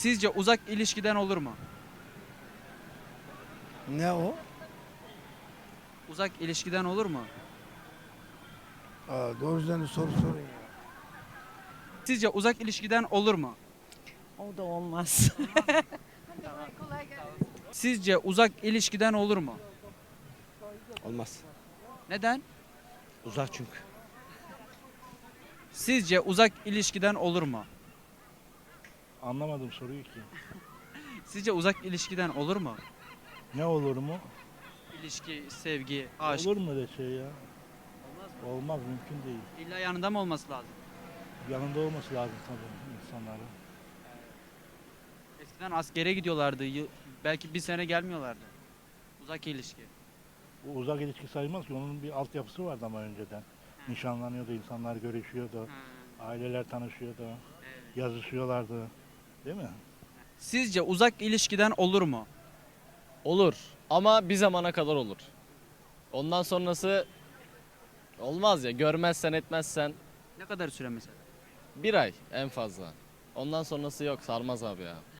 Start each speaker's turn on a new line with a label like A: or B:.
A: Sizce uzak ilişkiden olur mu?
B: Ne o?
A: Uzak ilişkiden olur mu?
B: Doğru düzgün soru sorun ya.
A: Sizce uzak ilişkiden olur mu?
C: O da olmaz.
A: Sizce uzak ilişkiden olur mu?
D: Olmaz.
A: Neden?
D: Uzak çünkü.
A: Sizce uzak ilişkiden olur mu?
E: Anlamadım soruyu ki.
A: Sizce uzak ilişkiden olur mu?
E: Ne olur mu?
A: İlişki, sevgi, aşk.
E: Olur mu öyle şey ya? Olmaz, mümkün değil.
A: İlla yanında mı olması lazım?
E: Yanında olması lazım tabii insanların.
A: Eskiden askere gidiyorlardı. Belki bir sene gelmiyorlardı. Uzak ilişki.
E: Bu uzak ilişki sayılmaz ki, onun bir altyapısı vardı ama önceden. Nişanlanıyordu, insanlar görüşüyordu, aileler tanışıyordu, yazışıyorlardı. Değil mi?
A: Sizce uzak ilişkiden olur mu?
F: Olur ama bir zamana kadar olur. Ondan sonrası olmaz ya, görmezsen etmezsen
A: Ne kadar süre mesela?
F: bir ay en fazla. Ondan sonrası yok, sarmaz abi ya.